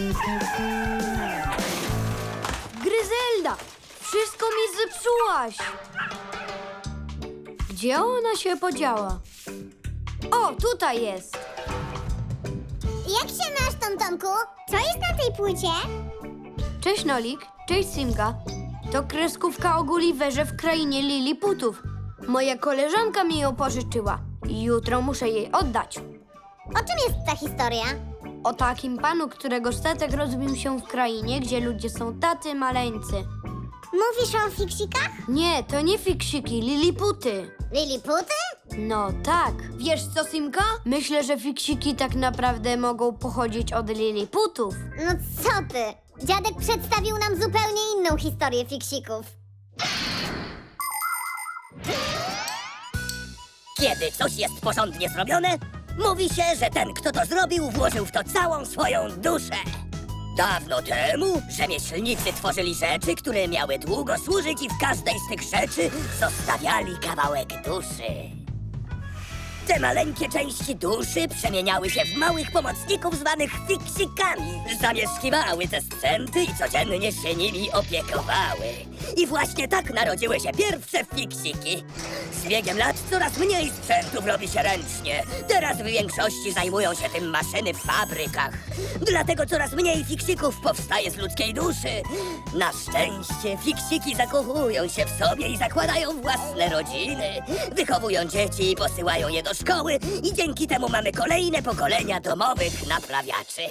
Gryzelda! Wszystko mi zepsułaś! Gdzie ona się podziała? O, tutaj jest! Jak się masz, Tomku? Co jest na tej płycie? Cześć Nolik, cześć Simka. To kreskówka o Gulliverze w krainie Liliputów. Moja koleżanka mi ją pożyczyła i jutro muszę jej oddać. O czym jest ta historia? O takim panu, którego statek rozbił się w krainie, gdzie ludzie są tacy maleńcy. Mówisz o fiksikach? Nie, to nie fiksiki, Liliputy. Liliputy? No tak. Wiesz co, Simka? Myślę, że fiksiki tak naprawdę mogą pochodzić od Liliputów. No co ty? Dziadek przedstawił nam zupełnie inną historię fiksików. Kiedy coś jest porządnie zrobione, mówi się, że ten, kto to zrobił, włożył w to całą swoją duszę. Dawno temu rzemieślnicy tworzyli rzeczy, które miały długo służyć i w każdej z tych rzeczy zostawiali kawałek duszy. Te maleńkie części duszy przemieniały się w małych pomocników zwanych fiksikami. Zamieszkiwały te sprzęty i codziennie się nimi opiekowały. I właśnie tak narodziły się pierwsze fiksiki. Z biegiem lat coraz mniej sprzętów robi się ręcznie. Teraz w większości zajmują się tym maszyny w fabrykach. Dlatego coraz mniej fiksików powstaje z ludzkiej duszy. Na szczęście fiksiki zakochują się w sobie i zakładają własne rodziny. Wychowują dzieci i posyłają je do szkoły i dzięki temu mamy kolejne pokolenia domowych naprawiaczy.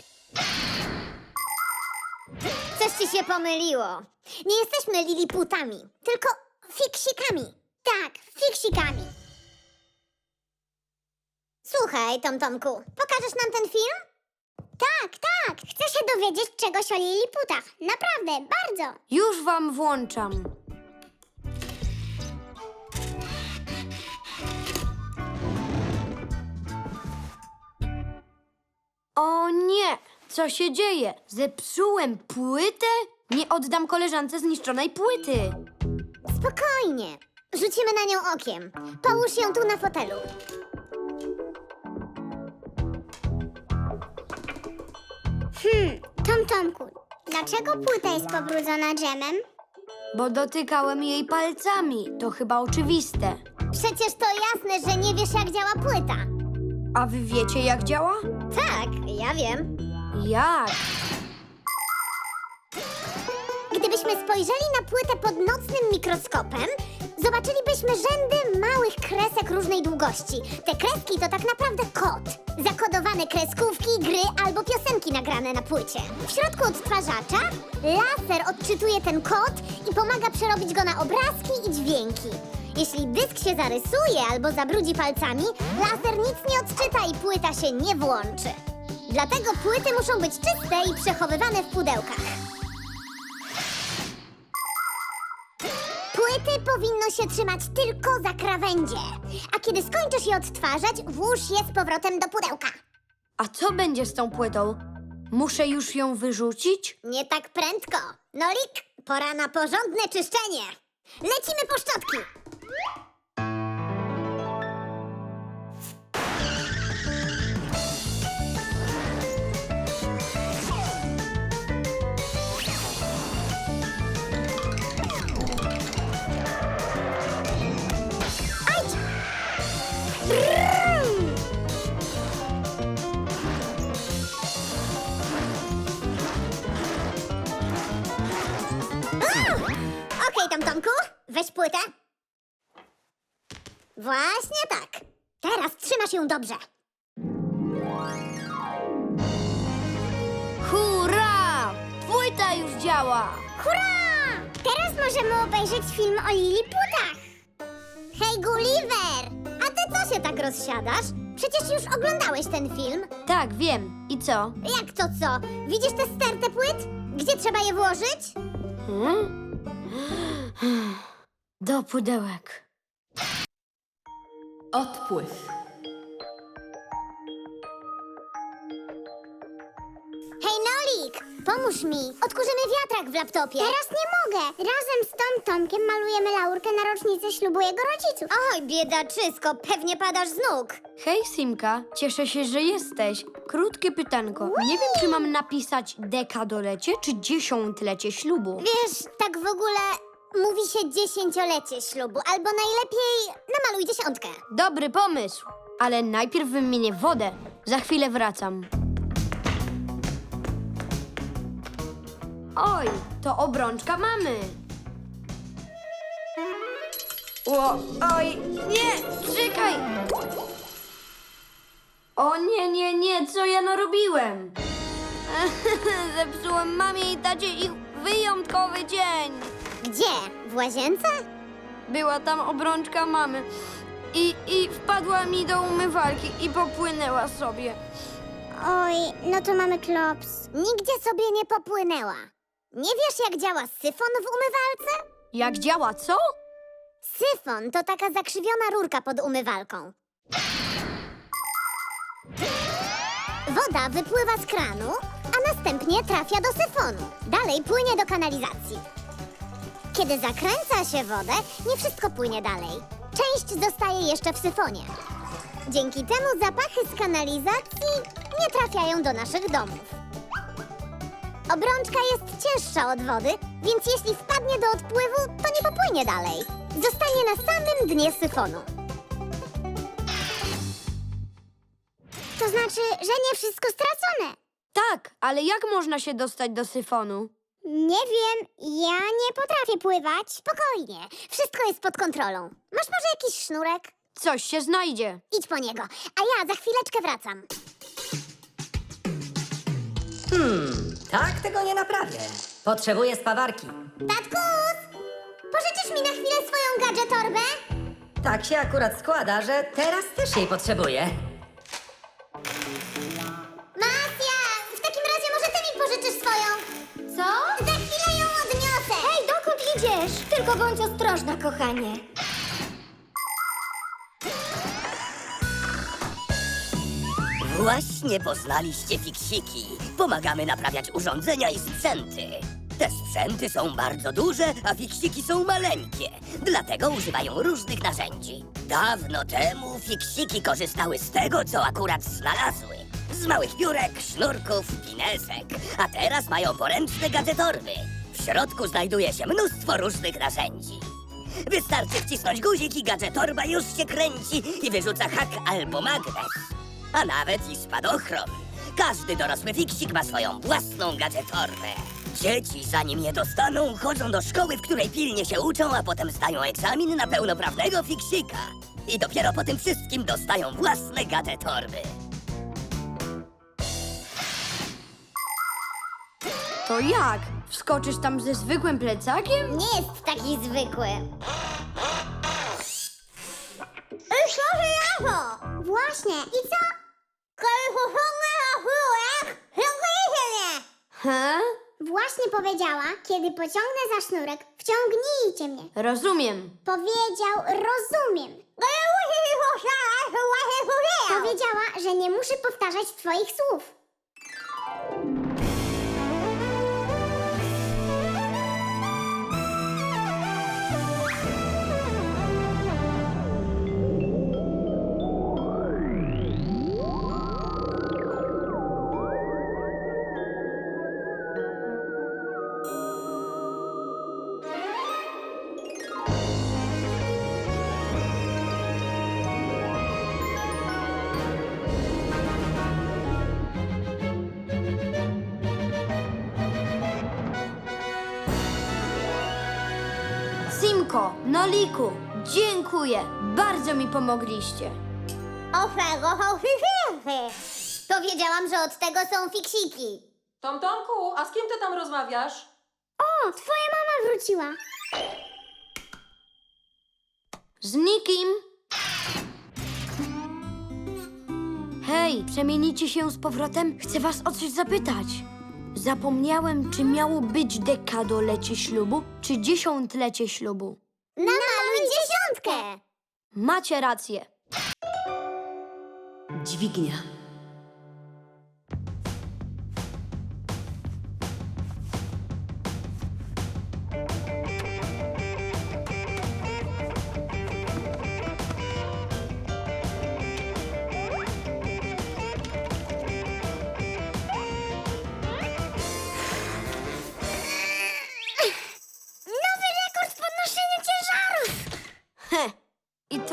Coś ci się pomyliło. Nie jesteśmy liliputami, tylko fiksikami. Tak, fiksikami. Słuchaj, Tomku, pokażesz nam ten film? Tak, tak. Chcę się dowiedzieć czegoś o liliputach. Naprawdę, bardzo. Już wam włączam. O nie! Co się dzieje? Zepsułem płytę? Nie oddam koleżance zniszczonej płyty. Spokojnie. Rzucimy na nią okiem. Połóż ją tu na fotelu. Tomku, dlaczego płyta jest pobrudzona dżemem? Bo dotykałem jej palcami. To chyba oczywiste. Przecież to jasne, że nie wiesz, jak działa płyta. A wy wiecie, jak działa? Tak, ja wiem. Jak? Gdybyśmy spojrzeli na płytę pod nocnym mikroskopem, zobaczylibyśmy rzędy małych kresek różnej długości. Te kreski to tak naprawdę kod. Zakodowane kreskówki, gry albo piosenki nagrane na płycie. W środku odtwarzacza laser odczytuje ten kod i pomaga przerobić go na obrazki i dźwięki. Jeśli dysk się zarysuje albo zabrudzi palcami, laser nic nie odczyta i płyta się nie włączy. Dlatego płyty muszą być czyste i przechowywane w pudełkach. Płyty powinno się trzymać tylko za krawędzie. A kiedy skończysz je odtwarzać, włóż je z powrotem do pudełka. A co będzie z tą płytą? Muszę już ją wyrzucić? Nie tak prędko. Nolik, pora na porządne czyszczenie. Lecimy po szczotki. Okej, Tomku, weź płytę. Właśnie tak. Teraz trzymasz ją dobrze. Hurra! Płyta już działa! Hurra! Teraz możemy obejrzeć film o liliputach. Hej, Gulliver! A ty co się tak rozsiadasz? Przecież już oglądałeś ten film. Tak, wiem. I co? Jak to co? Widzisz tę stertę płyt? Gdzie trzeba je włożyć? Hmm? Do pudełek. Odpływ. Hej, Nolik! pomóż mi. Odkurzymy wiatrak w laptopie. Teraz nie mogę. Razem z Tom Tomkiem malujemy laurkę na rocznicę ślubu jego rodziców. Oj, biedaczysko, pewnie padasz z nóg. Hej, Simka, cieszę się, że jesteś. Krótkie pytanko. Nie wiem, czy mam napisać dekadolecie czy dziesiątlecie ślubu. Wiesz, tak w ogóle mówi się 10-lecie ślubu, albo najlepiej namaluj 10. Dobry pomysł, ale najpierw wymienię wodę. Za chwilę wracam. Oj, to obrączka mamy. Oj, nie, czekaj. O nie, co ja narobiłem? Zepsułem mamie i tacie ich wyjątkowy dzień. Gdzie? W łazience? Była tam obrączka mamy i wpadła mi do umywalki i popłynęła sobie. Oj, no to mamy klops. Nigdzie sobie nie popłynęła. Nie wiesz, jak działa syfon w umywalce? Jak działa, co? Syfon to taka zakrzywiona rurka pod umywalką. Woda wypływa z kranu, a następnie trafia do syfonu. Dalej płynie do kanalizacji. Kiedy zakręca się wodę, nie wszystko płynie dalej. Część zostaje jeszcze w syfonie. Dzięki temu zapachy z kanalizacji nie trafiają do naszych domów. Obrączka jest cięższa od wody, więc jeśli wpadnie do odpływu, to nie popłynie dalej. Zostanie na samym dnie syfonu. To znaczy, że nie wszystko stracone. Tak, ale jak można się dostać do syfonu? Nie wiem, ja nie potrafię pływać. Spokojnie, wszystko jest pod kontrolą. Masz może jakiś sznurek? Coś się znajdzie. Idź po niego, a ja za chwileczkę wracam. Tak tego nie naprawię. Potrzebuję spawarki. Tatkus! Pożyczysz mi na chwilę swoją gadżetorbę? Tak się akurat składa, że teraz też jej potrzebuję. Masja, w takim razie może ty mi pożyczysz swoją. Co? Za chwilę ją odniosę. Hej, dokąd idziesz? Tylko bądź ostrożna, kochanie. Właśnie poznaliście fiksiki. Pomagamy naprawiać urządzenia i sprzęty. Te sprzęty są bardzo duże, a fiksiki są maleńkie. Dlatego używają różnych narzędzi. Dawno temu fiksiki korzystały z tego, co akurat znalazły. Z małych piórek, sznurków, pinesek. A teraz mają poręczne gadżetorby. W środku znajduje się mnóstwo różnych narzędzi. Wystarczy wcisnąć guzik i gadżetorba już się kręci i wyrzuca hak albo magnes. A nawet i spadochron. Każdy dorosły fiksik ma swoją własną gadżetorbę. Dzieci, zanim je dostaną, chodzą do szkoły, w której pilnie się uczą, a potem zdają egzamin na pełnoprawnego fiksika. I dopiero po tym wszystkim dostają własne gadżetorby. To jak? Wskoczysz tam ze zwykłym plecakiem? Nie jest taki zwykły. Właśnie, i co? He? Właśnie powiedziała, kiedy pociągnę za sznurek, wciągnijcie mnie. Rozumiem. Powiedział, rozumiem. Powiedziała, że nie muszę powtarzać twoich słów. Simko, Noliku, dziękuję. Bardzo mi pomogliście. Powiedziałam, że od tego są fiksiki. Tomku, a z kim ty tam rozmawiasz? O, twoja mama wróciła. Z nikim. Hej, przemienicie się z powrotem? Chcę was o coś zapytać. Zapomniałem, czy miało być dekadolecie ślubu, czy dziesiątlecie ślubu. Namaluj 10! Macie rację. Dźwignia.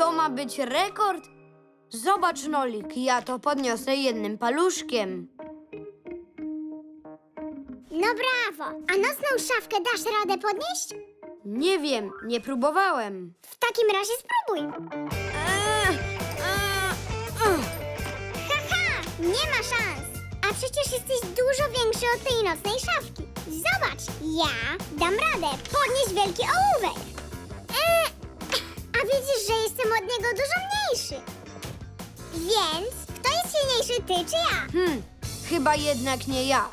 To ma być rekord? Zobacz, Nolik, ja to podniosę jednym paluszkiem. No brawo! A nocną szafkę dasz radę podnieść? Nie wiem, nie próbowałem. W takim razie spróbuj. Haha! Nie ma szans! A przecież jesteś dużo większy od tej nocnej szafki. Zobacz, ja dam radę podnieść wielki ołówek. A widzisz, że jestem od niego dużo mniejszy. Więc kto jest silniejszy, ty czy ja? Chyba jednak nie ja.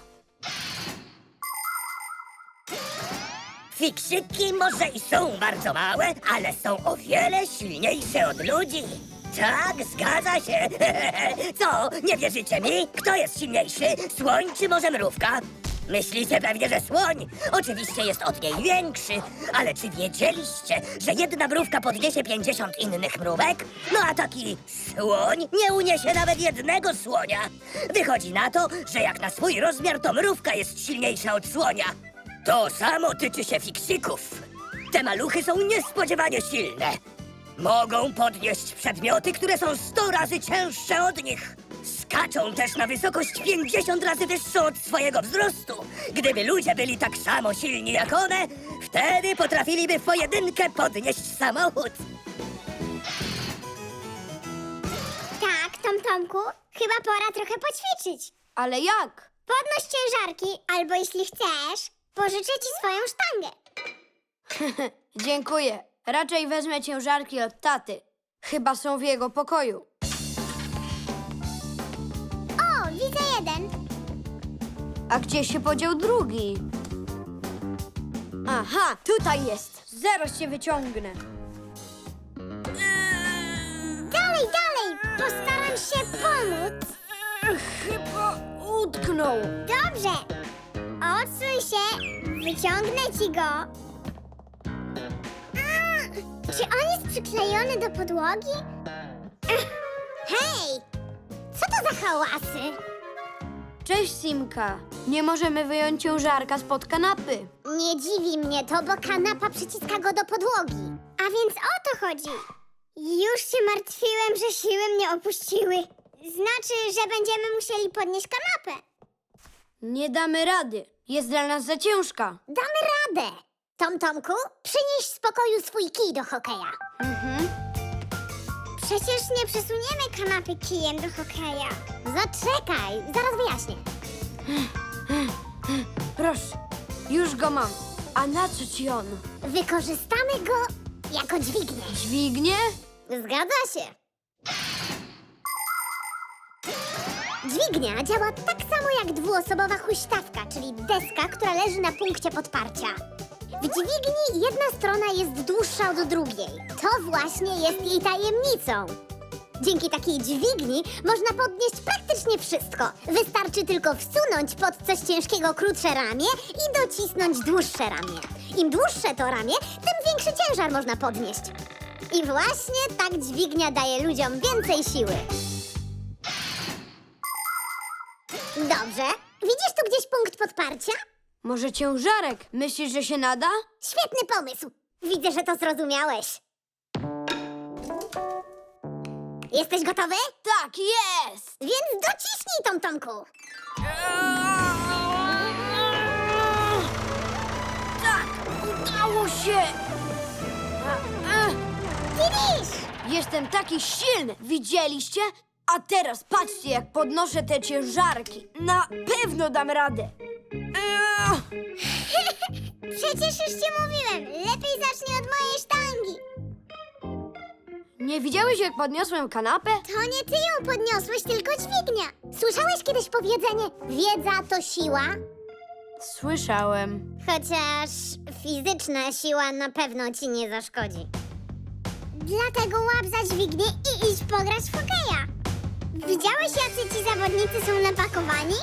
Fiksiki może i są bardzo małe, ale są o wiele silniejsze od ludzi. Tak, zgadza się. Co, nie wierzycie mi? Kto jest silniejszy? Słoń czy może mrówka? Myślicie pewnie, że słoń. Oczywiście jest od niej większy. Ale czy wiedzieliście, że jedna mrówka podniesie 50 innych mrówek? No a taki słoń nie uniesie nawet jednego słonia. Wychodzi na to, że jak na swój rozmiar, to mrówka jest silniejsza od słonia. To samo tyczy się fiksików. Te maluchy są niespodziewanie silne. Mogą podnieść przedmioty, które są 100 razy cięższe od nich. Skaczą też na wysokość 50 razy wyższą od swojego wzrostu. Gdyby ludzie byli tak samo silni jak one, wtedy potrafiliby w pojedynkę podnieść samochód. Tak, Tomku, chyba pora trochę poćwiczyć. Ale jak? Podnoś ciężarki, albo jeśli chcesz, pożyczę ci swoją sztangę. Dziękuję. Raczej wezmę ciężarki od taty. Chyba są w jego pokoju. O, widzę jeden. A gdzie się podział drugi? Aha, tutaj jest. Zaraz cię wyciągnę. Dalej, dalej, postaram się pomóc. Chyba utknął. Dobrze. Odsuń się, wyciągnę ci go. Czy on jest przyklejony do podłogi? Hej, co to za hałasy? Cześć, Simka. Nie możemy wyjąć ciężarka spod kanapy. Nie dziwi mnie to, bo kanapa przyciska go do podłogi. A więc o to chodzi. Już się martwiłem, że siły mnie opuściły. Znaczy, że będziemy musieli podnieść kanapę. Nie damy rady. Jest dla nas za ciężka. Damy radę. Tomku, przynieś z pokoju swój kij do hokeja. Przecież nie przesuniemy kanapy kijem do hokeja. Zaczekaj, zaraz wyjaśnię. Proszę, już go mam. A na co ci on? Wykorzystamy go jako dźwignię. Dźwignię? Zgadza się. Dźwignia działa tak samo jak dwuosobowa huśtawka, czyli deska, która leży na punkcie podparcia. W dźwigni jedna strona jest dłuższa od drugiej. To właśnie jest jej tajemnicą. Dzięki takiej dźwigni można podnieść praktycznie wszystko. Wystarczy tylko wsunąć pod coś ciężkiego krótsze ramię i docisnąć dłuższe ramię. Im dłuższe to ramię, tym większy ciężar można podnieść. I właśnie tak dźwignia daje ludziom więcej siły. Dobrze. Widzisz tu gdzieś punkt podparcia? Może ciężarek? Myślisz, że się nada? Świetny pomysł. Widzę, że to zrozumiałeś. Jesteś gotowy? Tak, jest! Więc dociśnij, Tomku. Tak, udało się! Widzisz? Jestem taki silny, widzieliście? A teraz patrzcie, jak podnoszę te ciężarki. Na pewno dam radę. Przecież już ci mówiłem. Lepiej zacznij od mojej sztangi. Nie widziałeś, jak podniosłem kanapę? To nie ty ją podniosłeś, tylko dźwignia. Słyszałeś kiedyś powiedzenie, wiedza to siła? Słyszałem. Chociaż fizyczna siła na pewno ci nie zaszkodzi. Dlatego łap za dźwignię i idź pograć w hokeja. Widziałeś, jacy ci zawodnicy są napakowani?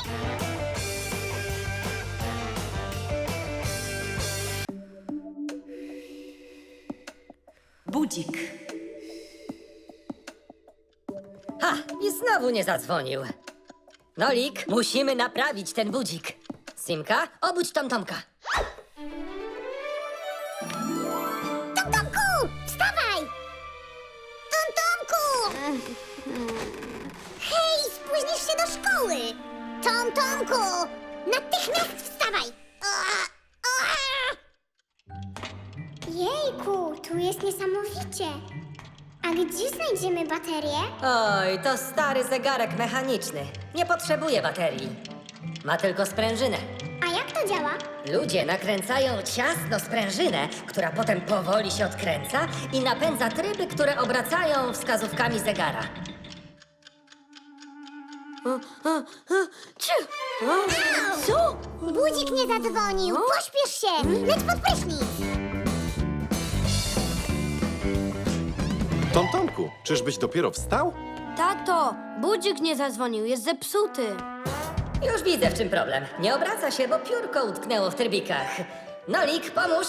Budzik. Ha! I znowu nie zadzwonił. Nolik, musimy naprawić ten budzik. Simka, obudź Tomka. Tomku, wstawaj! Tomku! Natychmiast wstawaj! Jejku, tu jest niesamowicie. A gdzie znajdziemy baterię? Oj, to stary zegarek mechaniczny. Nie potrzebuje baterii. Ma tylko sprężynę. A jak to działa? Ludzie nakręcają ciasno sprężynę, która potem powoli się odkręca i napędza tryby, które obracają wskazówkami zegara. Co? Budzik nie zadzwonił. Pośpiesz się. Leć pod prysznic. Tomku, czyżbyś dopiero wstał? Tato, budzik nie zadzwonił, jest zepsuty. Już widzę, w czym problem. Nie obraca się, bo piórko utknęło w trybikach. Nolik, pomóż!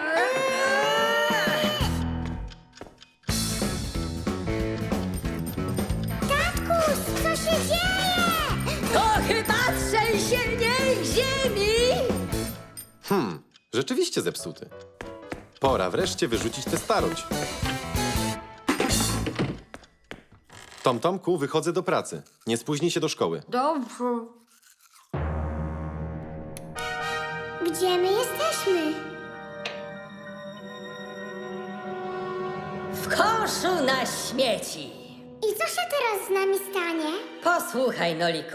Tatkus, co się dzieje? To chyba trzęsienie ziemi! Rzeczywiście zepsuty. Pora wreszcie wyrzucić tę starość. Tomku, wychodzę do pracy. Nie spóźnij się do szkoły. Dobrze. Gdzie my jesteśmy? W koszu na śmieci! I co się teraz z nami stanie? Posłuchaj, Noliku.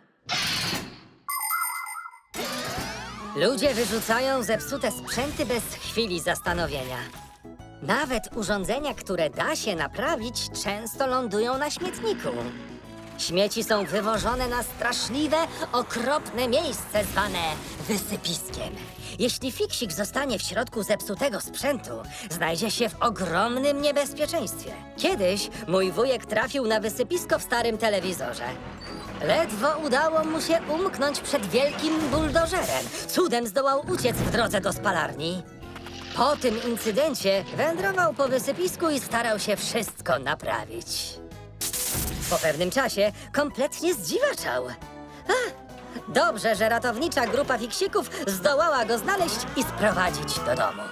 Ludzie wyrzucają zepsute sprzęty bez chwili zastanowienia. Nawet urządzenia, które da się naprawić, często lądują na śmietniku. Śmieci są wywożone na straszliwe, okropne miejsce zwane wysypiskiem. Jeśli fiksik zostanie w środku zepsutego sprzętu, znajdzie się w ogromnym niebezpieczeństwie. Kiedyś mój wujek trafił na wysypisko w starym telewizorze. Ledwo udało mu się umknąć przed wielkim buldożerem. Cudem zdołał uciec w drodze do spalarni. Po tym incydencie wędrował po wysypisku i starał się wszystko naprawić. Po pewnym czasie kompletnie zdziwaczał. Dobrze, że ratownicza grupa fiksików zdołała go znaleźć i sprowadzić do domu.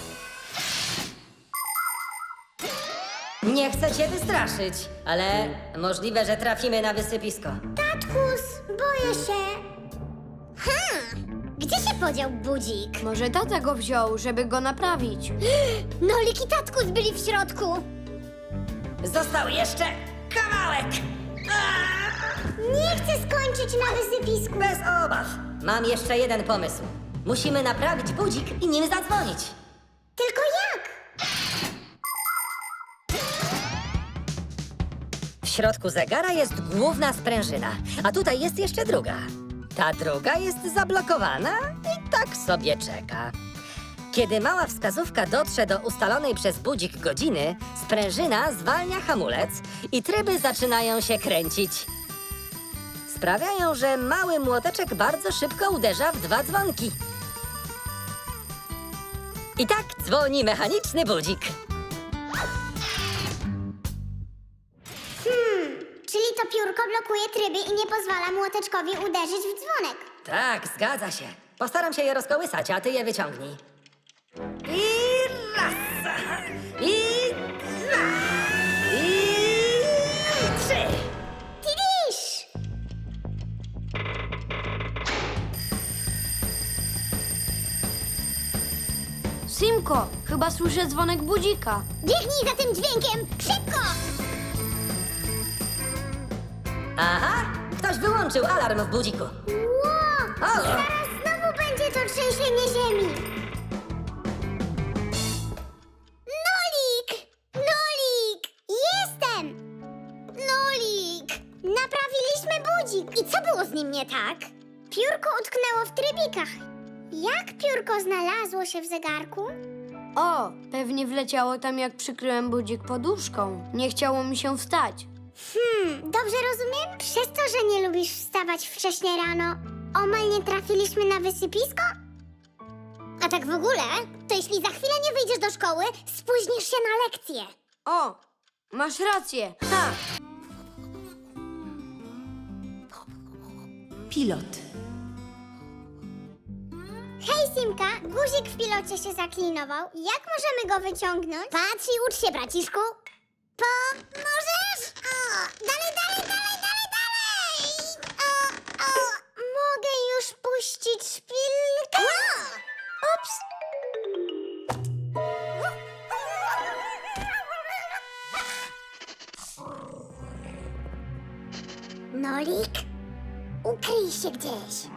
Nie chcę cię wystraszyć, ale możliwe, że trafimy na wysypisko. Tatkus, boję się. Gdzie się podział budzik? Może tata go wziął, żeby go naprawić. Nolik i Tatkus byli w środku. Został jeszcze kawałek! Nie chcę skończyć na wysypisku. Bez obaw. Mam jeszcze jeden pomysł. Musimy naprawić budzik i nim zadzwonić. Tylko jak? W środku zegara jest główna sprężyna, a tutaj jest jeszcze druga. Ta druga jest zablokowana i tak sobie czeka. Kiedy mała wskazówka dotrze do ustalonej przez budzik godziny, sprężyna zwalnia hamulec i tryby zaczynają się kręcić. Sprawiają, że mały młoteczek bardzo szybko uderza w 2 dzwonki. I tak dzwoni mechaniczny budzik. Czyli to piórko blokuje tryby i nie pozwala młoteczkowi uderzyć w dzwonek. Tak, zgadza się. Postaram się je rozkołysać, a ty je wyciągnij. I raz, i dwa, i 3. Tidisz! Simko, chyba słyszę dzwonek budzika. Biegnij za tym dźwiękiem! Szybko! Aha, ktoś wyłączył alarm w budziku. Ło! O! Zaraz znowu będzie to trzęsienie ziemi. Nolik! Nolik! Jestem! Nolik! Naprawiliśmy budzik. I co było z nim nie tak? Piórko utknęło w trybikach. Jak piórko znalazło się w zegarku? O, pewnie wleciało tam, jak przykryłem budzik poduszką. Nie chciało mi się wstać. Dobrze rozumiem? Przez to, że nie lubisz wstawać wcześnie rano, omal nie trafiliśmy na wysypisko? A tak w ogóle, to jeśli za chwilę nie wyjdziesz do szkoły, spóźnisz się na lekcję. O, masz rację. Ha! Pilot. Hej, Simka, guzik w pilocie się zaklinował. Jak możemy go wyciągnąć? Patrz i ucz się, braciszku. Możesz? O, dalej, dalej, dalej, dalej, dalej! O, Nolik, ukryj się gdzieś.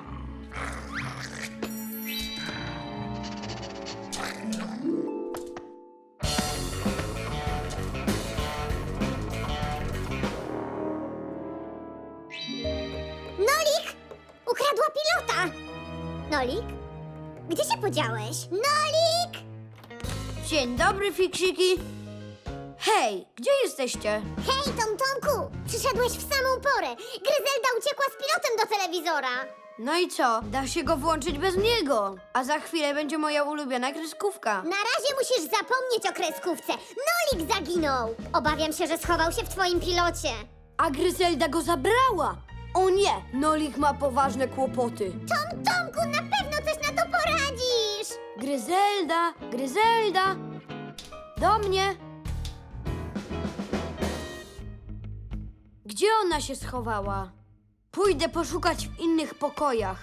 Nolik! Ukradła pilota! Nolik? Gdzie się podziałeś? Nolik! Dzień dobry, fiksiki. Hej, gdzie jesteście? Hej, Tomku! Przyszedłeś w samą porę. Gryzelda uciekła z pilotem do telewizora. No i co? Da się go włączyć bez niego. A za chwilę będzie moja ulubiona kreskówka. Na razie musisz zapomnieć o kreskówce. Nolik zaginął. Obawiam się, że schował się w twoim pilocie. A Gryzelda go zabrała. O nie, Nolik ma poważne kłopoty. Tomku, na pewno coś na to poradzisz. Gryzelda, Gryzelda. Do mnie. Gdzie ona się schowała? Pójdę poszukać w innych pokojach.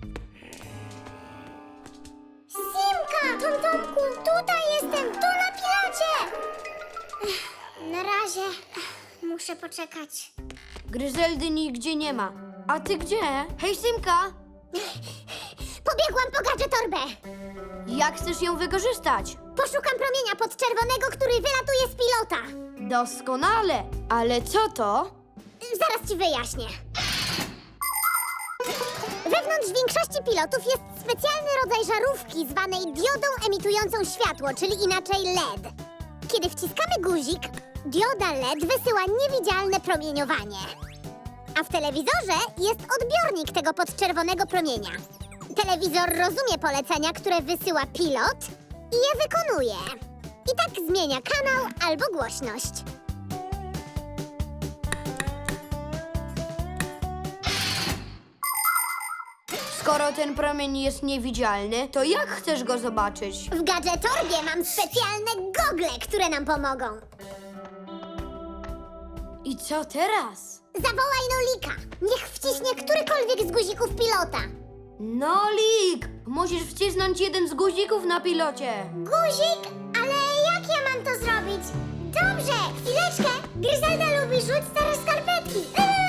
Simka! Tomku, tutaj jestem, tu na pilocie. Na razie muszę poczekać. Gryzeldy nigdzie nie ma. A ty gdzie? Hej, Simka! Pobiegłam po gadżetorbę. Jak chcesz ją wykorzystać? Poszukam promienia podczerwonego, który wylatuje z pilota. Doskonale. Ale co to? Zaraz ci wyjaśnię. Wewnątrz większości pilotów jest specjalny rodzaj żarówki zwanej diodą emitującą światło, czyli inaczej LED. Kiedy wciskamy guzik, dioda LED wysyła niewidzialne promieniowanie. A w telewizorze jest odbiornik tego podczerwonego promienia. Telewizor rozumie polecenia, które wysyła pilot i je wykonuje. I tak zmienia kanał albo głośność. Skoro ten promień jest niewidzialny, to jak chcesz go zobaczyć? W gadżetorbie mam specjalne gogle, które nam pomogą. I co teraz? Zawołaj Nolika. Niech wciśnie którykolwiek z guzików pilota. Nolik! Musisz wcisnąć jeden z guzików na pilocie. Guzik? Ale jak ja mam to zrobić? Dobrze, chwileczkę. Gryzelda lubi rzuć stare skarpetki.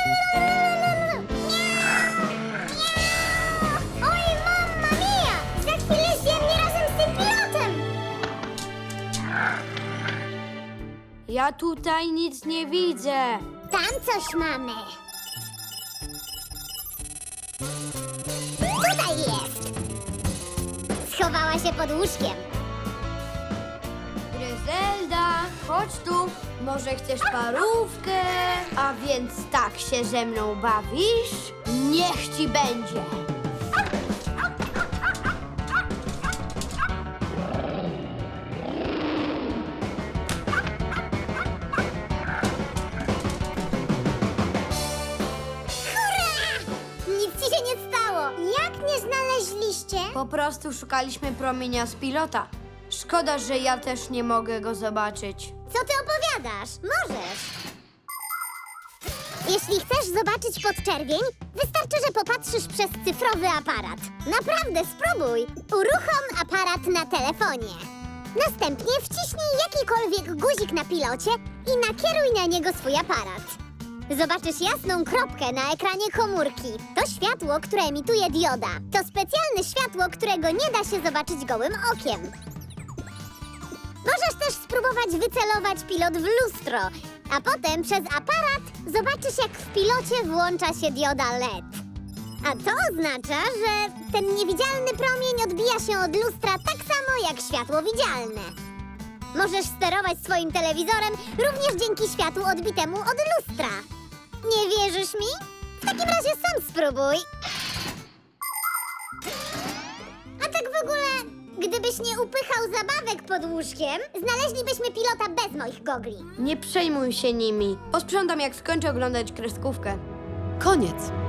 Oj, mamma mia! Za chwilę zjem mnie razem z tym pilotem. Ja tutaj nic nie widzę. Tam coś mamy. Tutaj jest. Schowała się pod łóżkiem. Gryzelda, chodź tu. Może chcesz parówkę? A więc tak się ze mną bawisz? Niech ci będzie. Nic ci się nie stało. Jak nie znaleźliście? Po prostu szukaliśmy promienia z pilota. Szkoda, że ja też nie mogę go zobaczyć. Co ty opowiadasz? Możesz. Jeśli chcesz zobaczyć podczerwień, wystarczy, że popatrzysz przez cyfrowy aparat. Naprawdę, spróbuj. Uruchom aparat na telefonie. Następnie wciśnij jakikolwiek guzik na pilocie i nakieruj na niego swój aparat. Zobaczysz jasną kropkę na ekranie komórki. To światło, które emituje dioda. To specjalne światło, którego nie da się zobaczyć gołym okiem. Możesz też spróbować wycelować pilot w lustro, a potem przez aparat zobaczysz, jak w pilocie włącza się dioda LED. A to oznacza, że ten niewidzialny promień odbija się od lustra tak samo jak światło widzialne. Możesz sterować swoim telewizorem również dzięki światłu odbitemu od lustra. Nie wierzysz mi? W takim razie sam spróbuj. A tak w ogóle, gdybyś nie upychał zabawek pod łóżkiem, znaleźlibyśmy pilota bez moich gogli. Nie przejmuj się nimi. Posprzątam, jak skończę oglądać kreskówkę. Koniec.